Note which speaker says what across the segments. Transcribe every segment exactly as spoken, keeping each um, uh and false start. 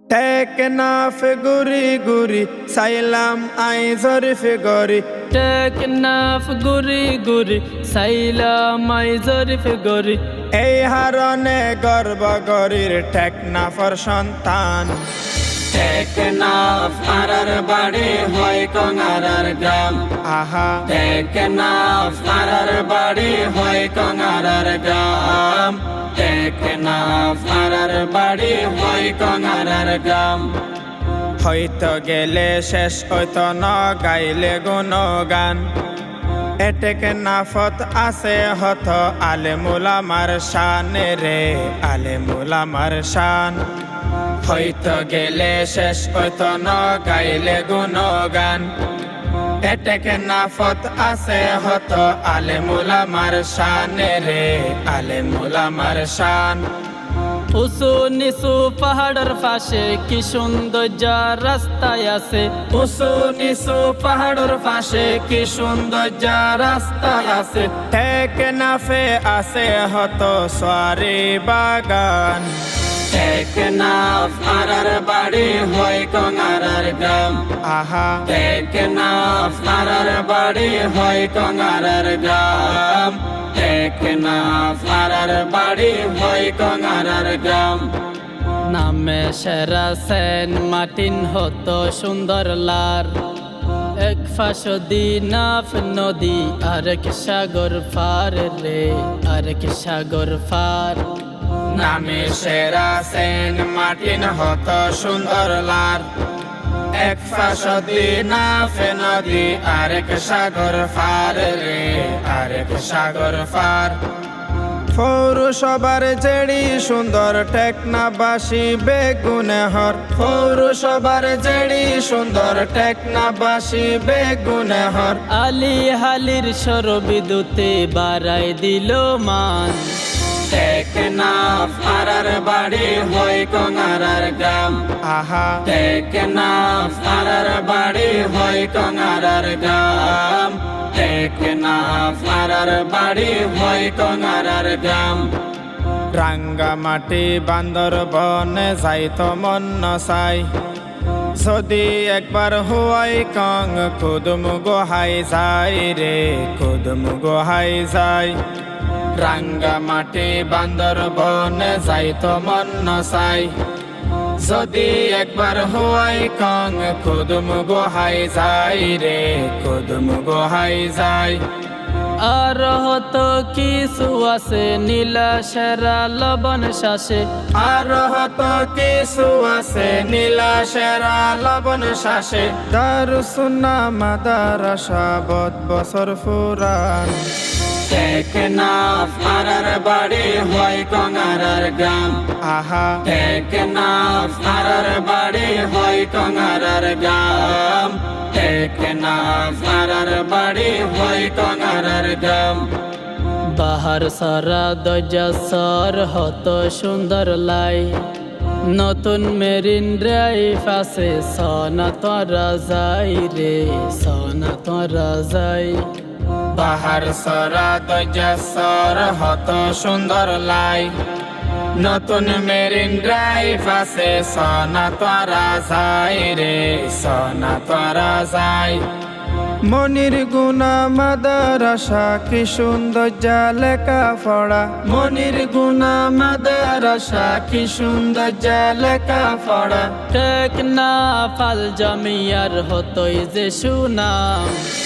Speaker 1: Teknaf গুরি গুরি সাইলাম I জরিফে গরি
Speaker 2: Teknaf গুরি গুরি সাইলাম I জরিফে গরি
Speaker 1: এই হারনে গর্ব গরির টেকনাফর সন্তান।
Speaker 3: টেকনাফ আরার বাড়ি হয় কঙারার গ্রাম।
Speaker 1: আহা
Speaker 3: টেকনাফ আরার বাড়ি হয় কঙারার গ্রাম। টেকনাফ আরার বাড়ি হয় কঙারার গ্রাম।
Speaker 1: হয়তো গেলে শেষ হইতো ন গাইলে গুণগান। এ টেকনাফত আছে হত আলেমুলামার শান রে আলেমুলামার শান। হয়তো গেলে শেষ হইতো ন গাইলে গুণগান। এ টেকনাফত আছে হত আলেমুলামার শান রে আলেমুলামার শান।
Speaker 2: উঁচু নিচু পাহাড়ের পাশে কি সৌন্দর্য রাস্তায় আছে।
Speaker 3: উঁচু নিচু পাহাড়ের পাশে কি সৌন্দর্য রাস্তায় আছে।
Speaker 1: টেকনাফে আছে হত সোয়ারি বাগান।
Speaker 3: টেকনাফ আরার বাড়ি হয় কঙারার গ্রাম।
Speaker 1: আহা
Speaker 3: টেকনাফ আরার বাড়ি হয় কঙারার গ্রাম। টেকনাফ আরার বাড়ি হয় কঙারার গ্রাম।
Speaker 2: নামে সেরা সেন মাটিন হতো সুন্দর লার। এক ফাঁস দিনাফ নদী আরেক সাগর ফার রে আরেক সাগর ফার।
Speaker 1: নামে সেরা সেন মাটিন হত সুন্দর লার। এক ফাঁস দিনাফে নদী আরেক সাগর ফার রে আরেক সাগর ফার। পৌরসভার জেড়ি সুন্দর টেকনাফবাসী বেগুনেহর। পৌরসভার জেড়ি সুন্দর টেকনাফবাসী বেগুনেহর।
Speaker 2: আলি হালির সর বিদ্যুতে বাড়াই দিল মান।
Speaker 3: টেকনাফ আরার বাড়ি হয় কঙারার গ্রাম।
Speaker 1: আহা
Speaker 3: টেকনাফ আরার বাড়ি হয় কঙারার গ্রাম। টেকনাফ আরার বাড়ি হয় কঙারার গ্রাম।
Speaker 1: রাঙ্গামাটি বান্দরবনে যাইতো মন নসাই। যদি একবার হুয়াই কং কুদুম গোহাই যাই রে কুদুম গোহাই যাই। রাঙ্গামাটি বান্দরবনে যাইতো মন নসাই। যদি একবার হুয়াই কং কুদুম গোহাই যাই রে কুদুম গোহাই যাই।
Speaker 2: আর হতো কিছু আছে নীলা সেরা লবণ শ্বাসে।
Speaker 1: আর হত কিছু আছে নীলা সেরা লবণ শ্বাসে। দারুসুন্না মাদারাসা বদ বছর ফুরান।
Speaker 3: টেকনাফ আরার বাড়ি হয় কঙারার গ্রাম।
Speaker 1: আহা
Speaker 3: টেকনাফ আরার বাড়ি হয় কঙারার গ্রাম। টেকনাফ আরার বাড়ি হয় কঙারার গ্রাম।
Speaker 2: বাহার সারা দরজাসর হতো সুন্দর লাই। নতুন মেরিন ড্রাইভ আছে সনা তোরা যাই রে সনা তোরা যাই।
Speaker 1: বাহার সরা দরজাসর হত সুন্দর লাই। নতুন মেরিন ড্রাইভ আছে সনা তোরা যাই রে সনা তোরা যাই। মনির গুনা মাদারাসা কি সুন্দর লেখা পড়া। মনির গুনা মাদারাসা কি সুন্দর লেখা পড়া।
Speaker 2: টেকনাফ আল জামিয়ার হতোই যে সুনাম।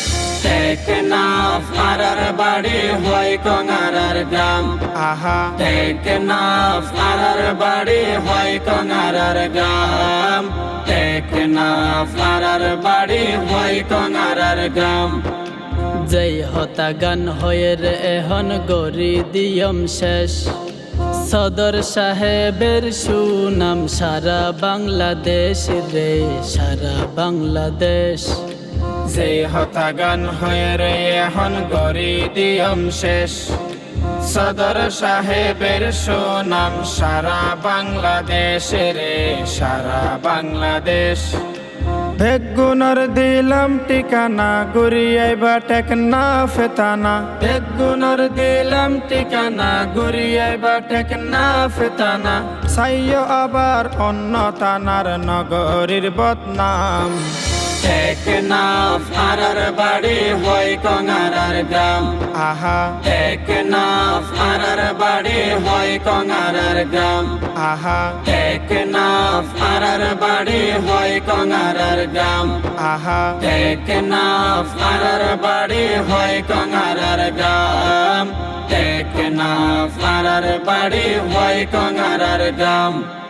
Speaker 3: টেকনাফ আরার বাড়ি হয় কঙারার গ্রাম।
Speaker 1: আহা
Speaker 3: টেকনাফ আরার বাড়ি হয় কঙারার গ্রাম। টেকনাফ আরার বাড়ি হয় কঙারার গ্রাম।
Speaker 2: যেই হতা গান হয়ে রে এখন গরি দিয়ম শেষ। সদর সাহেবের সুনাম সারা বাংলাদেশ রে সারা বাংলাদেশ।
Speaker 1: যে হতা গান হয়ে রে এখন গরি দিয়ম শেষ। সদর সাহেবের সুনাম সারা বাংলাদেশ রে সারা বাংলাদেশ। বেগুনর দিলাম ঠিকানা ঘুরিয়াইবা টেকনা ফেতানা
Speaker 3: বেগুনর দিলাম ঠিকানা ঘুরিয়াইবা টেকনা ফেতানা
Speaker 1: সাইয় আবার অন্য তানার নগরীর বদনাম
Speaker 3: টেকনাফ আরার বাড়ি হয় কঙারার গ্রাম
Speaker 1: আহা
Speaker 3: টেকনাফ আরার বাড়ি হয় কঙারার গ্রাম
Speaker 1: আহা
Speaker 3: টেকনাফ আরার বাড়ি হয় কঙারার গ্রাম
Speaker 1: আহা
Speaker 3: টেকনাফ আরার বাড়ি হয় কঙারার গ্রাম টেকনাফ আরার বাড়ি হয় কঙারার গ্রাম